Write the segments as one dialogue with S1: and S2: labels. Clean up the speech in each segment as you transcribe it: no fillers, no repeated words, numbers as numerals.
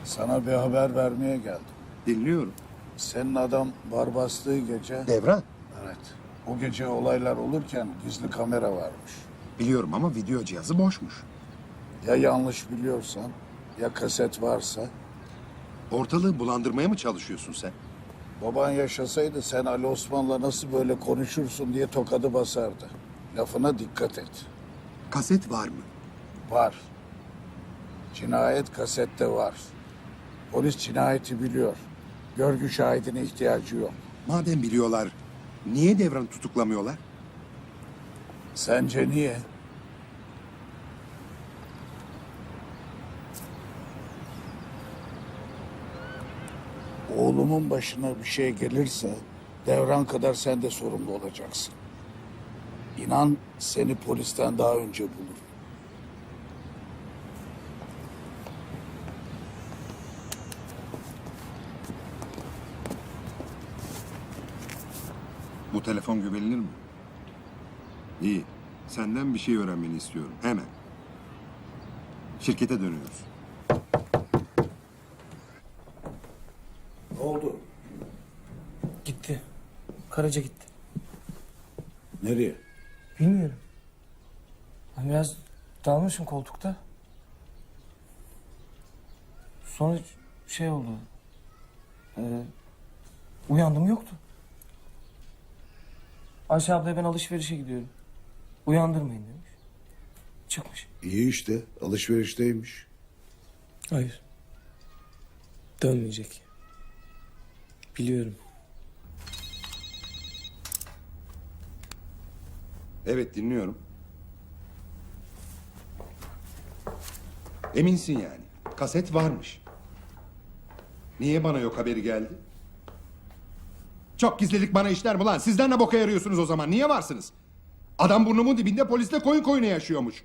S1: Sana bir haber vermeye geldim.
S2: Dinliyorum.
S1: Senin adam bar bastığı gece...
S2: Devran.
S1: Evet. O gece olaylar olurken gizli kamera varmış.
S2: Biliyorum ama video cihazı boşmuş.
S1: Ya yanlış biliyorsan, ya kaset varsa...
S2: Ortalığı bulandırmaya mı çalışıyorsun sen?
S1: Baban yaşasaydı sen Ali Osman'la nasıl böyle konuşursun diye tokadı basardı. Lafına dikkat et.
S2: Kaset var mı?
S1: Var. Cinayet kasette var. Polis cinayeti biliyor. Görgü şahidine ihtiyacı yok.
S2: Madem biliyorlar, niye Devran'ı tutuklamıyorlar?
S1: Sence niye? Oğlumun başına bir şey gelirse Devran kadar sen de sorumlu olacaksın. İnan seni polisten daha önce bulur.
S2: Bu telefon güvenilir mi? İyi. Senden bir şey öğrenmeni istiyorum. Hemen. Şirkete dönüyoruz.
S1: Ne oldu?
S3: Gitti. Karaca gitti.
S1: Nereye?
S3: Bilmiyorum. Ben biraz dalmışım koltukta. Sonra şey oldu. Uyandım yoktu. Ayşe ablaya ben alışverişe gidiyorum. Uyandırmayın demiş. Çıkmış.
S1: İyi işte alışverişteymiş.
S3: Hayır. Dönmeyecek. Biliyorum.
S2: Evet, dinliyorum. Eminsin yani. Kaset varmış. Niye bana yok haberi geldi? Çok gizlilik bana işler mi lan? Sizden ne boka yarıyorsunuz o zaman? Niye varsınız? Adam burnumun dibinde polisle koyun koyuna yaşıyormuş.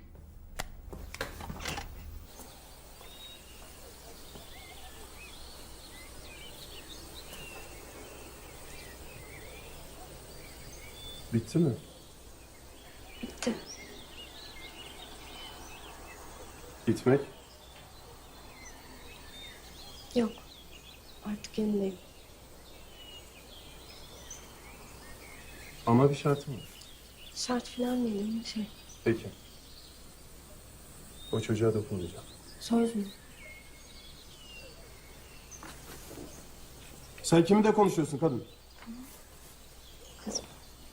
S4: Bitti mi?
S5: Bitti.
S4: Gitmek?
S5: Yok. Artık yanındayım.
S4: Ama bir şartım var.
S5: Şart falan değil ama şey.
S4: Peki. O çocuğa dokunmayacağım.
S5: Söz mü?
S4: Sen kiminle konuşuyorsun kadın?
S5: Kızım.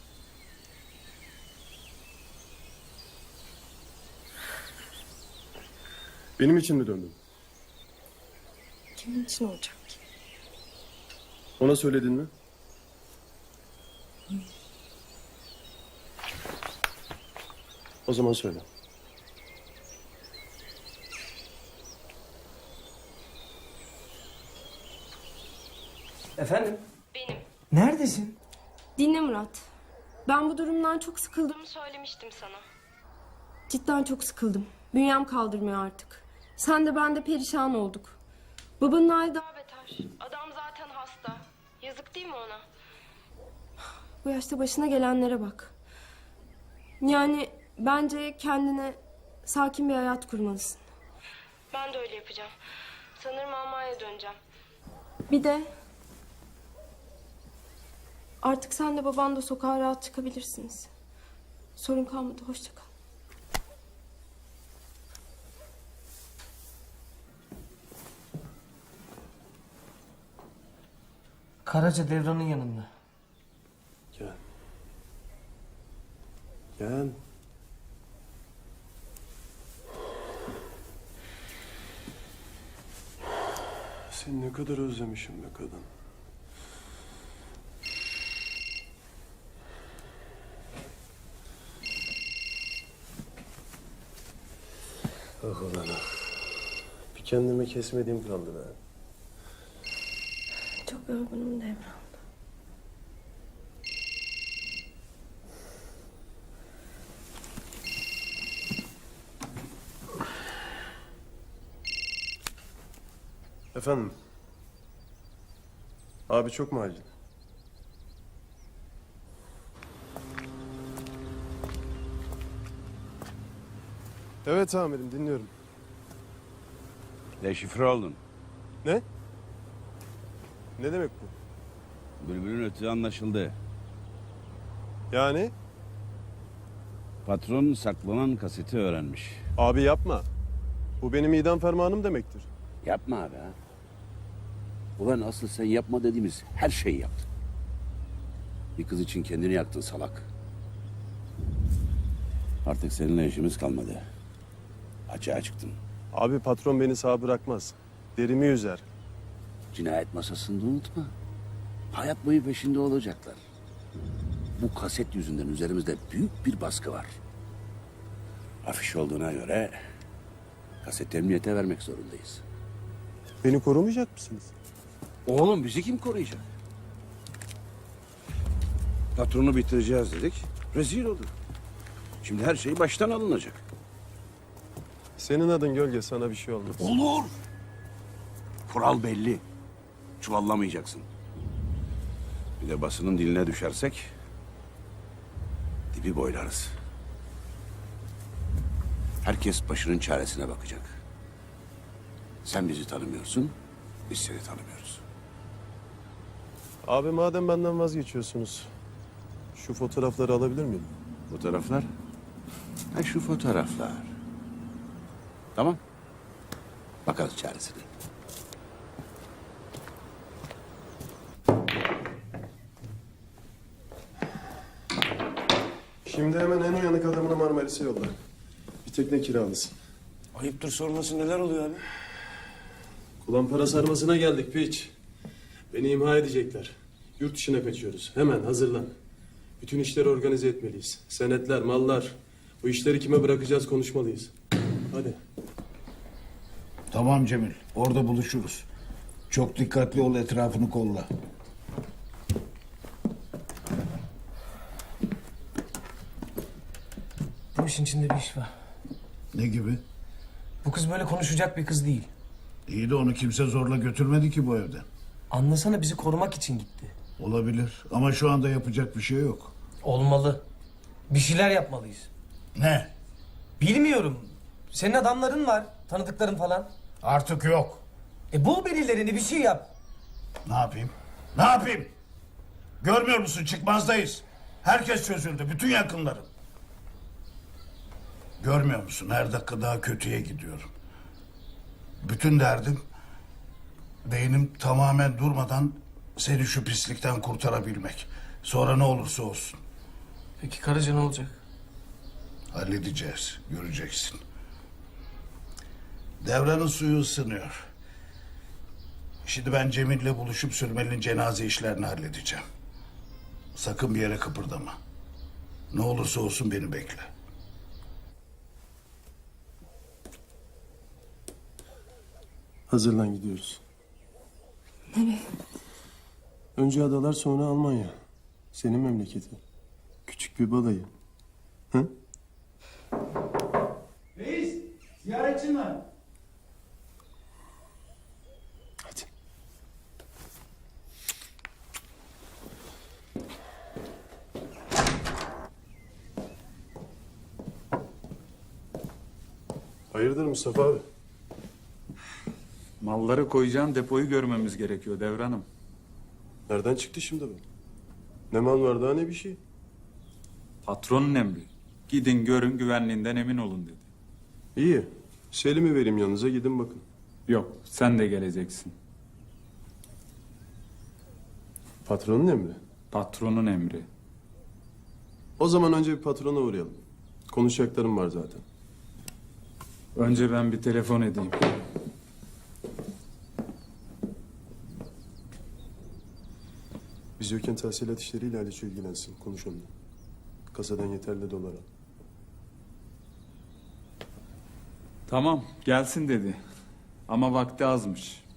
S4: Benim için mi döndün?
S5: Kimin için olacak ki?
S4: Ona söyledin mi? O zaman söyle.
S3: Efendim?
S5: Benim.
S3: Neredesin?
S5: Dinle Murat. Ben bu durumdan çok sıkıldığımı söylemiştim sana. Cidden çok sıkıldım. Bünyem kaldırmıyor artık. Sen de ben de perişan olduk. Babanın hali daha beter. Adam zaten hasta. Yazık değil mi ona? Bu yaşta başına gelenlere bak. Yani bence kendine sakin bir hayat kurmalısın. Ben de öyle yapacağım. Sanırım Almanya'ya döneceğim. Bir de artık sen de baban da sokağa rahat çıkabilirsiniz. Sorun kalmadı. Hoşça kal.
S3: Karaca Devran'ın yanında.
S4: Gel. Gel. Seni ne kadar özlemişim be kadın. Ah ulan ah. Bir kendime kesmediğim kaldı be.
S5: Çok yorgunum Devran.
S4: Efendim? Abi çok mu acil? Evet amirim dinliyorum.
S6: Deşifre oldun.
S4: Ne? Ne demek bu?
S6: Bülbülün ötüğü anlaşıldı.
S4: Yani?
S6: Patron saklanan kaseti öğrenmiş.
S4: Abi yapma. Bu benim idam fermanım demektir.
S6: Yapma abi ha. Ulan asıl sen yapma dediğimiz her şeyi yaptın. Bir kız için kendini yaktın salak. Artık seninle işimiz kalmadı. Açığa çıktın.
S4: Abi patron beni sağ bırakmaz. Derimi yüzer.
S6: Cinayet masasında unutma. Hayat boyu peşinde olacaklar. Bu kaset yüzünden üzerimizde büyük bir baskı var. Afiş olduğuna göre kaseti emniyete vermek zorundayız.
S4: Beni korumayacak mısınız?
S6: Oğlum bizi kim koruyacak? Patronu bitireceğiz dedik. Rezil olduk. Şimdi her şey baştan alınacak.
S4: Senin adın Gölge, sana bir şey olmaz.
S6: Olur. Kural belli. Çuvallamayacaksın. Bir de basının diline düşersek dibi boylarız. Herkes başının çaresine bakacak. Sen bizi tanımıyorsun, biz seni tanımıyoruz.
S4: Abi madem benden vazgeçiyorsunuz, şu fotoğrafları alabilir miyim?
S6: Fotoğraflar? Ha şu fotoğraflar. Tamam. Bakarız çaresine.
S4: Şimdi hemen en uyanık adamını Marmaris'e yolla. Bir tekne kiralasın.
S7: Ayıptır sorması neler oluyor abi?
S4: Kulağın para sarmasına geldik piç. Beni imha edecekler. Yurt dışına kaçıyoruz. Hemen hazırlan. Bütün işleri organize etmeliyiz. Senetler, mallar. Bu işleri kime bırakacağız konuşmalıyız. Hadi.
S1: Tamam Cemil, orada buluşuruz. Çok dikkatli ol, etrafını kolla.
S3: Bu işin içinde bir iş var.
S1: Ne gibi?
S3: Bu kız böyle konuşacak bir kız değil.
S1: İyi de onu kimse zorla götürmedi ki bu evden.
S3: Anlasana bizi korumak için gitti.
S1: Olabilir ama şu anda yapacak bir şey yok.
S3: Olmalı. Bir şeyler yapmalıyız.
S1: Ne?
S3: Bilmiyorum. Senin adamların var. Tanıdıkların falan.
S1: Artık yok.
S3: Bul birilerini bir şey yap.
S1: Ne yapayım? Ne yapayım? Görmüyor musun, çıkmazdayız. Herkes çözüldü, bütün yakınlarım. Görmüyor musun, her dakika daha kötüye gidiyorum. Bütün derdim beynim tamamen durmadan seni şu pislikten kurtarabilmek. Sonra ne olursa olsun.
S3: Peki Karaca ne olacak?
S1: Halledeceğiz, göreceksin. Devranın suyu ısınıyor. Şimdi ben Cemil'le buluşup Sürmeli'nin cenaze işlerini halledeceğim. Sakın bir yere kıpırdama. Ne olursa olsun beni bekle.
S4: Hazırlan, gidiyoruz.
S5: Nereye?
S4: Önce adalar, sonra Almanya. Senin memleketin. Küçük bir balayı. Hı?
S8: Reis, ziyaretçin var.
S4: Hadi. Hayırdır Mustafa abi?
S8: Malları koyacağın depoyu görmemiz gerekiyor Devranım.
S4: Nereden çıktı şimdi bu? Ne mal var daha ne bir şey.
S8: Patronun emri. Gidin görün güvenliğinden emin olun dedi.
S4: İyi. Selim'i vereyim yanınıza, gidin bakın.
S8: Yok sen de geleceksin.
S4: Patronun emri.
S8: Patronun emri.
S4: O zaman önce bir patrona uğrayalım. Konuşacaklarım var zaten.
S8: Önce ben bir telefon edeyim.
S4: Biz yokken tahsilat işleriyle Haliç ilgilensin. Konuş onunla. Kasadan yeterli dolar al.
S8: Tamam gelsin dedi. Ama vakti azmış.